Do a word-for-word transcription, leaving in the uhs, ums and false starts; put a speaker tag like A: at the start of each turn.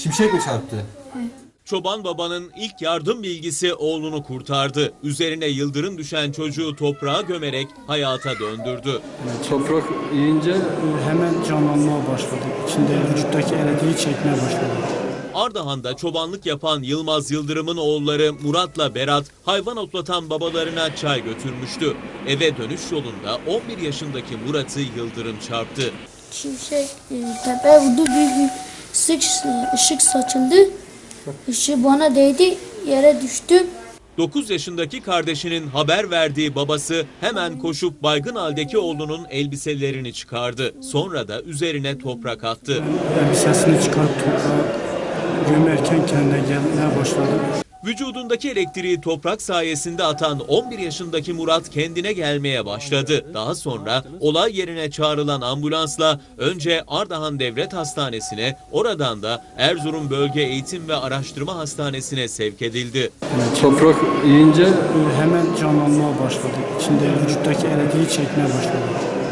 A: Şimşek mi çarptı?
B: Çoban babanın ilk yardım bilgisi oğlunu kurtardı. Üzerine yıldırım düşen çocuğu toprağa gömerek hayata döndürdü.
C: Toprak yiyince
D: hemen canlanmaya başladı. İçinde vücuttaki elektriği çekmeye başladı.
B: Ardahan'da çobanlık yapan Yılmaz Yıldırım'ın oğulları Murat'la Berat hayvan otlatan babalarına çay götürmüştü. Eve dönüş yolunda on bir yaşındaki Murat'ı yıldırım çarptı.
E: Şimşek e, tepeye vurdu, büyük bir ışık, ışık saçıldı. Işığı bana değdi, yere düştüm.
B: dokuz yaşındaki kardeşinin haber verdiği babası hemen koşup baygın haldeki oğlunun elbiselerini çıkardı. Sonra da üzerine toprak attı.
D: Elbisesini çıkarıp toprağa gömerken kendine gelmeye başladı.
B: Vücudundaki elektriği toprak sayesinde atan on bir yaşındaki Murat kendine gelmeye başladı. Daha sonra olay yerine çağrılan ambulansla önce Ardahan Devlet Hastanesi'ne, oradan da Erzurum Bölge Eğitim ve Araştırma Hastanesi'ne sevk edildi.
C: toprak yiyince
D: Hemen canlanmaya başladı. İçinde vücuttaki elektriği çekmeye başladı.